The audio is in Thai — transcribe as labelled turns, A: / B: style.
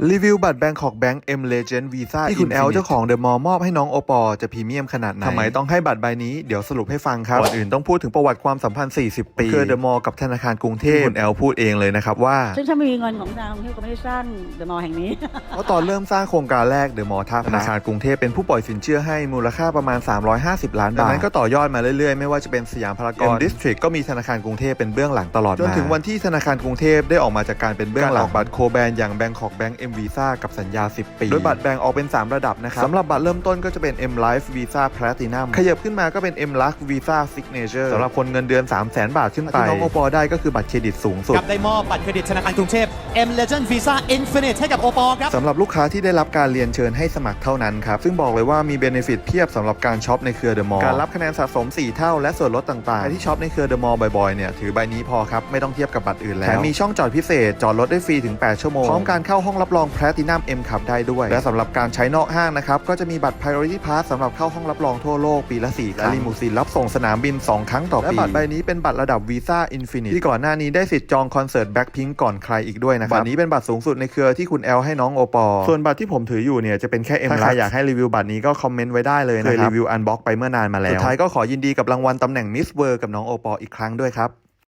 A: รีวิวบัตร Bangkok Bank M Legend Visa ที่คุณแอลเจ้าของเดอะมอลล์มอบให้น้องโอปอจะพรีเมียมขนาดไหนทำไมต้องให้บัตรใบนี้เดี๋ยวสรุปให้ฟังครับก่อนอื่นต้องพูดถึงประวัติความสัมพันธ์40 ปีคือเดอะมอลล์กับธนาคารกรุงเทพคุณแอลพูดเองเลยนะครับว่า
B: ซึ่งถ้าไม่มีเงินของธนาคารกรุงเทพก็ไม่ได้สร้างเดอะมอลล์แห่งนี้
A: เพราะตอนเริ่มสร้างโครงการแรกเดอะมอลล์ท่าพระธนาคารกรุงเทพเป็นผู้ปล่อยสินเชื่อให้มูลค่าประมาณ350 ล้านบาทจากนั้นก็ต่อยอดมาเรื่อยๆไม่ว่าจะเป็นสยามพารากอน ดิสทริกก็มีธนาคารกรุงเทพเป็นเบื้องหลังตลอดมาจนถึงวันที่ธนาคารกรุงเทพได้ออกมาจากการเป็นเบื้องหลังบัตรโคแบนอย่าง Bangkok Bank M Visa กับสัญญา10 ปีโดยบัตรแบ่งออกเป็น3ระดับนะครับสำหรับบัตรเริ่มต้นก็จะเป็น M Life Visa Platinum ขยับขึ้นมาก็เป็น M Lux Visa Signature สำหรับคนเงินเดือน 300,000 บาทขึ้นไปที่น้องโอปอได้ก็คือบัตรเครดิตสูงสุด
C: กับได้มอบบัตรเครดิตธนาคารกรุงเทพ M Legend Visa Infinite ให้กับโอปอครับ
A: สำหรับลูกค้าที่ได้รับการเรียนเชิญให้สมัครเท่านั้นครับซึ่งบอกเลยว่ามีเบเนฟิตเพียบสำหรับการช็อปในเครือเดอะมอลล์การรับคะแนนสะสม4เท่าและส่วนลดต่างๆที่ช็อปในเครือเดอะมอลล์บ่อยๆเนี่ยถือใบนี้พอครับไม่ต้องเทียบกับบัตรอื่นแล้วแถมมีช่องจอดพิเศษจอดรถได้ฟรีถึง8 ชั่วโมงพร้อมการเข้าห้องรับรอง Platinum M Cup ได้ด้วยและสำหรับการใช้นอกห้างนะครับก็จะมีบัตร Priority Pass สำหรับเข้าห้องรับรองทั่วโลกปีละ4 ครั้งและลิมูซีนรับส่งสนามบิน2 ครั้งต่อปีและบัตรใบนี้เป็นบัตรระดับ Visa Infinite ที่ก่อนหน้านี้ได้สิทธิ์จองคอนเสิร์ต Blackpink ก่อนใครอีกด้วยนะครับบัตรนี้เป็นบัตรสูงสุดในเครือที่คุณแอลให้น้องโอปอส่วนบัตรที่ผมถืออยู่เนี่ยจะเป็นแค่ M ถ้าใครอยากให้รีวิวบัตรนี้ก็คอมเมนต์ไว้ได้เลยนะครับเคยรีวิวอันบ็อกไปเมื่อนานมาแล้วสุดท้ายก็ขอยินดีกับรางวัลตำแหน่ง Miss World กับน้องโอปออีกครั้งด้วยครับ